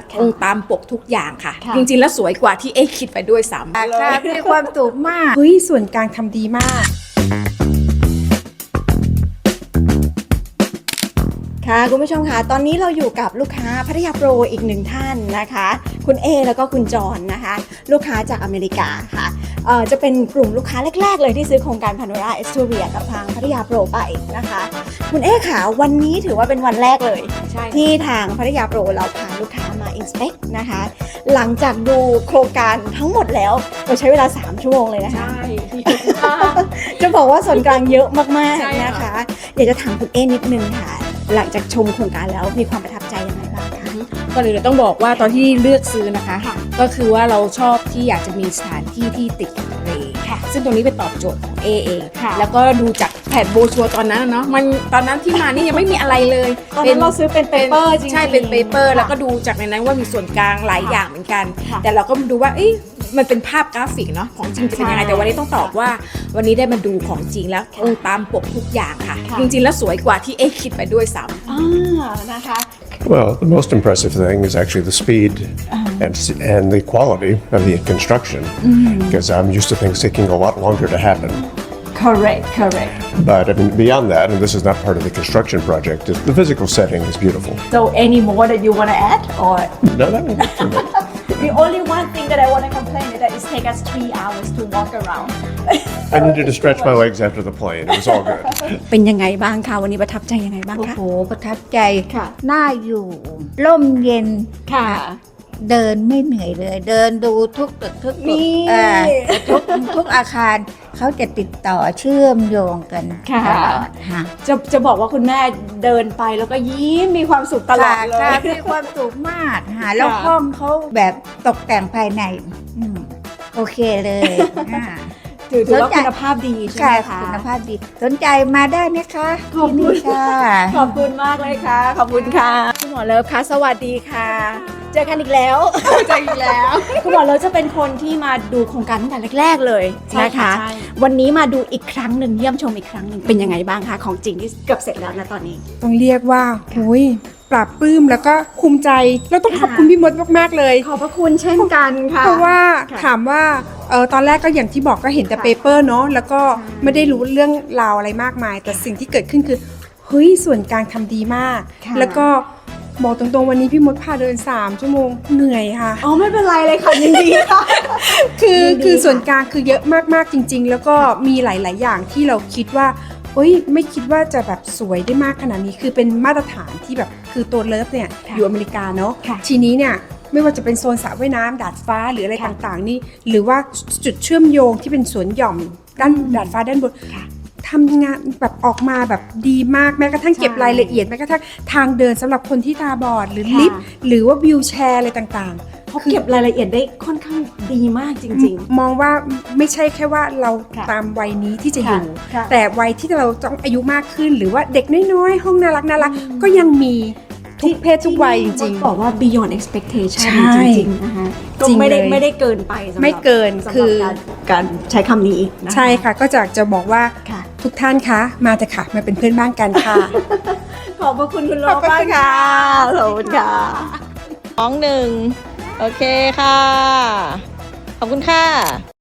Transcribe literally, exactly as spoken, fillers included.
ตรงตามปกทุกอย่างค่ะจริงๆแล้วสวยกว่าที่เอ๊คิดไปด้วยซ้ำค่ะมีความสุขมากเฮ้ยส่วนกลางทำดีมากค่ะคุณผู้ชมค่ะตอนนี้เราอยู่กับลูกค้าพัทยาโปรอีกหนึ่งท่านนะคะคุณเอแล้วก็คุณจอนนะคะลูกค้าจากอเมริกาค่ะเอ่อจะเป็นกลุ่มลูกค้าแรกๆเลยที่ซื้อโครงการพาโนราเอสทูเรียกับทางพัทยาโปรไปนะคะคุณเอค่ะวันนี้ถือว่าเป็นวันแรกเลยที่ทางพัทยาโปรเราพาลูกค้ามาอินสเปกนะคะหลังจากดูโครงการทั้งหมดแล้วเราใช้เวลาสามชั่วโมงเลยนะคะจะบอกว่าส่วนกลางเยอะมากๆนะคะอยากจะถามคุณเอนิดนึงค่ะหลังจากชมโครงการแล้วมีความประทับใจยังไงบ้างคะก่อนอื่นเราต้องบอกว่าตอนที่เลือกซื้อนะคะก็คือว่าเราชอบที่อยากจะมีสถานที่ที่ติดกับทะเลซึ่งตรงนี้เป็นตอบโจทย์ของเอเองแล้วก็ดูจากแผนโบชัวตอนนั้นเนาะมันตอนนั้นที่มานี่ยังไม่มีอะไรเลยตอนนั้นเราซื้อเป็นเปเปอร์จริงๆใช่เป็นเปเปอร์แล้วก็ดูจากในนั้นว่ามีส่วนกลางหลายอย่างเหมือนกันแต่เราก็ดูว่าเอ๊ะมันเป็นภาพกราฟิกเนาะของจริงจะเป็นยังไงแต่วันนี้ต้องตอบว่าวันนี้ได้มาดูของจริงแล้วตรงตามปกทุกอย่างค่ะจริงๆแล้วสวยกว่าที่เอ๊คิดไปด้วยซ้ำอ่านะคะ Well, the most impressive thing is actually the speed uh-huh. and and the quality of the construction, mm-hmm. because I'm used to things taking a lot longer to happen. Correct, correct. But I mean, beyond that, and this is not part of the construction project, is the physical setting is beautiful. So, any more that you want to add, or no, that would be too much. The only one thing that I want to complain is that it takes us three hours to walk around. I needed to stretch my legs after the plane. It was all good. เป็นยังไงบ้างคะวันนี้ประทับใจยังไงบ้างคะโอ้โหประทับใจค่ะน่าอยู่ร่มเย็นค่ะเดินไม่เหนื่อยเลย เดินดูทุกตึกทุกตึนี่กอ่าทุกทุกอาคารเขาจะติดต่อเชื่อมโยงกันค่ะตลอดค่ะจะจะบอกว่าคุณแม่เดินไปแล้วก็ยิ้มมีความสุขตลอดเลค่ะยมีความสุขมากค่ะแล้วค่ะห้องเขาแบบตกแต่งภายในอืมโอเคเลยอ่าถือถือว่าสนใจคุณภาพดีใช่ไหมค่ะคะคุณภาพดีสนใจมาได้ไหมคะขอบคุณที่นี่ค่ะขอบคุณมากเลยค่ะ ขอบคุณค่ะคุณหมอเลิฟคะสวัสดีค่ะ เจอกันอีกแล้วเจออีกแล้วคุณหมอเลิฟจะเป็นคนที่มาดูโครงการตั้งแต่แรกๆเลยนะคะวันนี้มาดูอีกครั้งหนึ่งเยี่ยมชมอีกครั้งหนึ่งเป็นยังไงบ้างคะของจริงที่เกือบเสร็จแล้วนะตอนนี้ต้องเรียกว่าหุยปราบปลื้มแล้วก็ภูมิใจแล้วต้องขอบคุณพี่มดมากๆเลยขอบพระคุณเช่นกันค่ะเพราะว่าค่ะถามว่าเออตอนแรกก็อย่างที่บอกก็เห็นแต่ค่ะเปเปอร์เนาะแล้วก็ไม่ได้รู้เรื่องราวอะไรมากมาย แต่สิ่งที่เกิดขึ้นคือเฮ้ยส่วนกลางทำดีมากค่ะแล้วก็บอกตรงๆวันนี้พี่มดพาเดินสามชั่วโมงเหนื่อยค่ะอ๋อไม่เป็นไรเลยค่ะยินดีค่ะคือยินดีคือส่วนค่ะกลางคือเยอะมากๆจริง ๆ แล้วก็มีหลาย ๆ อย่างที่เราคิดว่าเฮ้ยไม่คิดว่าจะแบบสวยได้มากขนาดนี้คือเป็นมาตรฐานที่แบบคือตัวเลิฟเนี่ยอยู่อเมริกาเนาะค่ะทีนี้เนี่ยไม่ว่าจะเป็นโซนสระว่ายน้ำดาดฟ้าหรืออะไรต่างๆนี่หรือว่าจุดเชื่อมโยงที่เป็นสวนหย่อมด้านดาดฟ้าด้านบนทำงานแบบออกมาแบบดีมากแม้กระทั่งเก็บรายละเอียดแม้กระทั่งทางเดินสำหรับคนที่ตาบอดหรือลิฟต์หรือว่าวิวแชร์อะไรต่างๆเขาเก็บรายละเอียดได้ค่อนข้างดีมากจริงๆมองว่าไม่ใช่แค่ว่าเราค่ะตามวัยนี้ที่จะอยู่ค่ะแต่วัยที่เราต้องอายุมากขึ้น หรือว่าเด็กน้อยๆ ห้องน่ารักน่ารักก็ยังมีทุกเพศทุกวัยจริงบอกว่า beyond expectation ใช่จริงๆนะคะก็จริงไม่ได้เลยไม่ได้เกินไปสำหรับไม่เกินสำหรับคือการการใช้คำนี้นะๆ ใช่ค่ะก็จะจะบอกว่าค่ะทุกท่านคะมาเถอะค่ะมาเป็นเพื่อนบ้านกันค่ะขอบพระคุณคุณโลมากค่ะขอบคุณค่ะสองหนึ่งโอเคค่ะ ขอบคุณค่ะ